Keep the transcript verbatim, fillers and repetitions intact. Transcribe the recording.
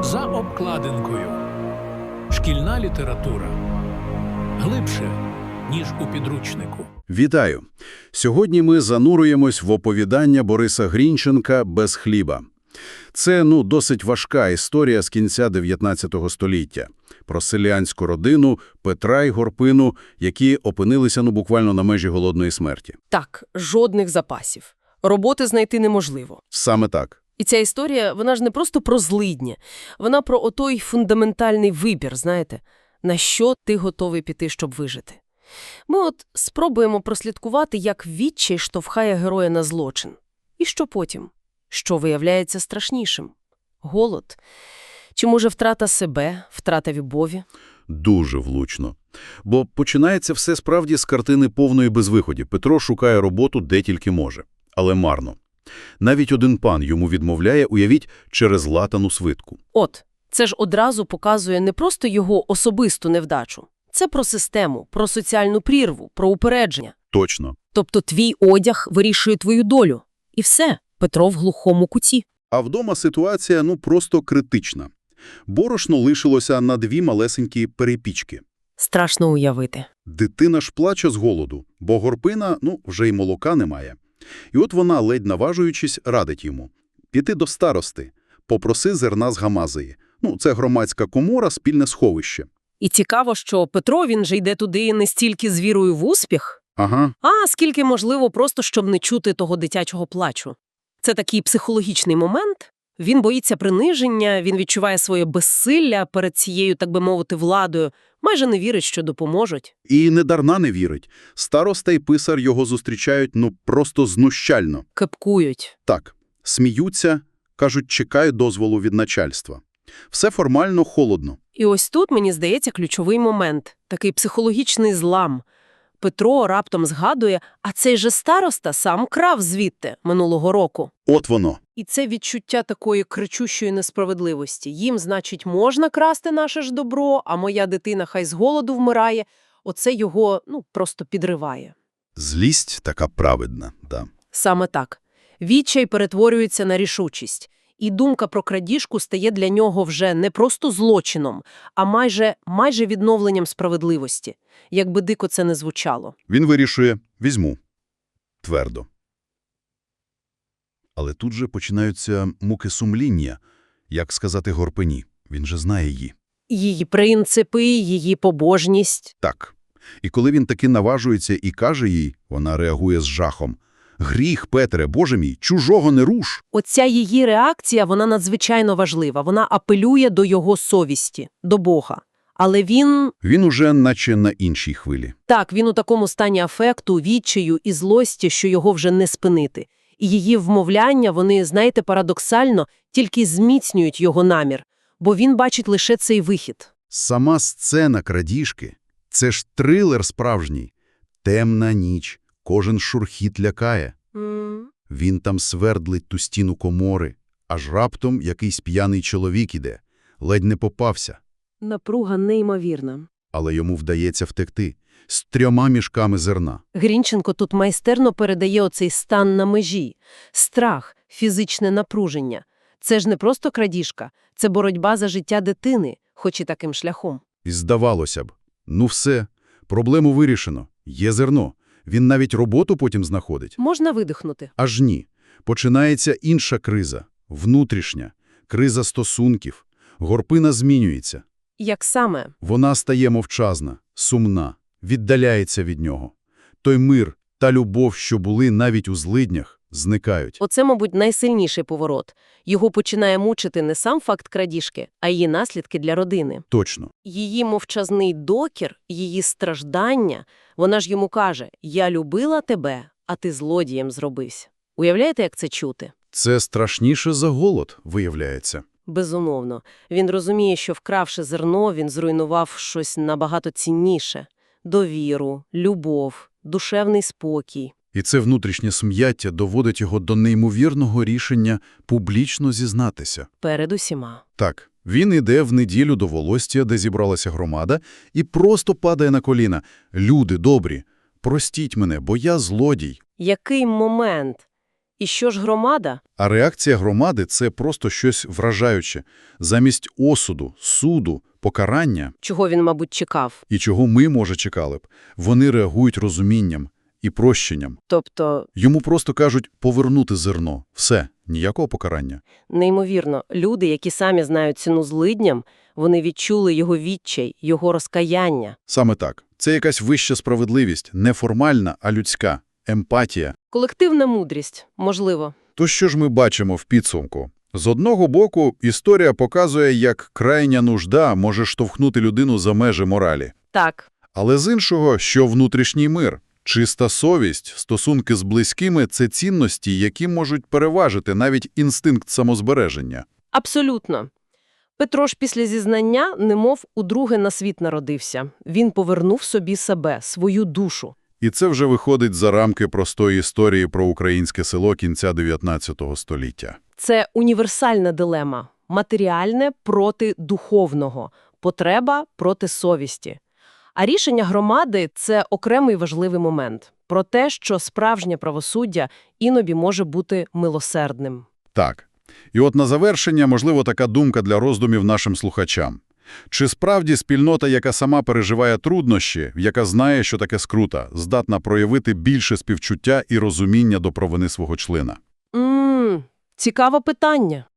За обкладинкою. Шкільна література. Глибше, ніж у підручнику. Вітаю! Сьогодні ми зануруємось в оповідання Бориса Грінченка «Без хліба». Це, ну, досить важка історія з кінця дев'ятнадцятого століття. Про селянську родину Петра і Горпину, які опинилися, ну, буквально на межі голодної смерті. Так, жодних запасів. Роботи знайти неможливо. Саме так. І ця історія, вона ж не просто про злидні. Вона про отой фундаментальний вибір, знаєте, на що ти готовий піти, щоб вижити. Ми от спробуємо прослідкувати, як відчай штовхає героя на злочин. І що потім? Що виявляється страшнішим? Голод? Чи, може, втрата себе, втрата любові? Дуже влучно. Бо починається все справді з картини повної безвиході. Петро шукає роботу де тільки може. Але марно. Навіть один пан йому відмовляє, уявіть, через латану свитку. От, це ж одразу показує не просто його особисту невдачу. Це про систему, про соціальну прірву, про упередження. Точно. Тобто твій одяг вирішує твою долю. І все, Петро в глухому куті. А вдома ситуація, ну, просто критична. Борошно лишилося на дві малесенькі перепічки. Страшно уявити. Дитина ж плаче з голоду, бо Горпина, ну, вже й молока немає. І от вона, ледь наважуючись, радить йому. Піти до старости, попроси зерна з Гамазії. Ну, це громадська комора, спільне сховище. І цікаво, що Петро, він же йде туди не стільки з вірою в успіх, Ага. а скільки, можливо, просто щоб не чути того дитячого плачу. Це такий психологічний момент. Він боїться приниження, він відчуває своє безсилля перед цією, так би мовити, владою, майже не вірить, що допоможуть. І недарна не вірить. Староста і писар його зустрічають, ну, просто знущально. Кепкують. Так, сміються, кажуть, чекають дозволу від начальства. Все формально холодно. І ось тут, мені здається, ключовий момент. Такий психологічний злам. Петро раптом згадує, а цей же староста сам крав звідти минулого року. От воно. І це відчуття такої кричущої несправедливості. Їм, значить, можна красти наше ж добро, а моя дитина хай з голоду вмирає. Оце його, ну, просто підриває. Злість така праведна, да. Саме так. Відчай перетворюється на рішучість. І думка про крадіжку стає для нього вже не просто злочином, а майже, майже відновленням справедливості. Якби дико це не звучало. Він вирішує – візьму. Твердо. Але тут же починаються муки сумління. Як сказати Горпині? Він же знає її. Її принципи, її побожність. Так. І коли він таки наважується і каже їй, вона реагує з жахом. «Гріх, Петре, Боже мій, чужого не руш!» Оця її реакція, вона надзвичайно важлива. Вона апелює до його совісті, до Бога. Але він... Він уже наче на іншій хвилі. Так, він у такому стані афекту, відчаю і злості, що його вже не спинити. І її вмовляння, вони, знаєте, парадоксально, тільки зміцнюють його намір. Бо він бачить лише цей вихід. Сама сцена крадіжки – це ж трилер справжній. Темна ніч, кожен шурхіт лякає. Mm. Він там свердлить ту стіну комори, аж раптом якийсь п'яний чоловік іде. Ледь не попався. Напруга неймовірна. Але йому вдається втекти. З трьома мішками зерна. Грінченко тут майстерно передає оцей стан на межі. Страх, фізичне напруження. Це ж не просто крадіжка, це боротьба за життя дитини, хоч і таким шляхом. І здавалося б, ну все, проблему вирішено, є зерно. Він навіть роботу потім знаходить. Можна видихнути. Аж ні. Починається інша криза, внутрішня, криза стосунків. Горпина змінюється. Як саме? Вона стає мовчазна, сумна, віддаляється від нього. Той мир, та любов, що були навіть у злиднях, зникають. Оце, мабуть, найсильніший поворот. Його починає мучити не сам факт крадіжки, а її наслідки для родини. Точно. Її мовчазний докір, її страждання, вона ж йому каже: «Я любила тебе, а ти злодієм зробився». Уявляєте, як це чути? Це страшніше за голод, виявляється. Безумовно. Він розуміє, що вкравши зерно, він зруйнував щось набагато цінніше. Довіру, любов, душевний спокій. І це внутрішнє сум'яття доводить його до неймовірного рішення публічно зізнатися. Перед усіма. Так, він іде в неділю до Волостя, де зібралася громада, і просто падає на коліна. «Люди добрі, простіть мене, бо я злодій». Який момент? І що ж громада? А реакція громади – це просто щось вражаюче. Замість осуду, суду, покарання, Чого він, мабуть, чекав? і чого ми, може, чекали б, вони реагують розумінням і прощенням. Тобто, Йому просто кажуть повернути зерно. Все, ніякого покарання. неймовірно, люди, які самі знають ціну злидням, вони відчули його відчай, його розкаяння. Саме так. Це якась вища справедливість, не формальна, а людська. Емпатія. Колективна мудрість, можливо. То що ж ми бачимо в підсумку? З одного боку, історія показує, як крайня нужда може штовхнути людину за межі моралі. Так, Але з іншого, що внутрішній мир, чиста совість, стосунки з близькими – це цінності, які можуть переважити навіть інстинкт самозбереження. абсолютно. Петро ж після зізнання немов удруге на світ народився. Він повернув собі себе, свою душу. І це вже виходить за рамки простої історії про українське село кінця дев'ятнадцятого століття. Це універсальна дилема – матеріальне проти духовного, потреба проти совісті. А рішення громади – це окремий важливий момент про те, що справжнє правосуддя іноді може бути милосердним. Так. І от на завершення, можливо, така думка для роздумів нашим слухачам. Чи справді спільнота, яка сама переживає труднощі, яка знає, що таке скрута, здатна проявити більше співчуття і розуміння до провини свого члена? Ммм, цікаве питання.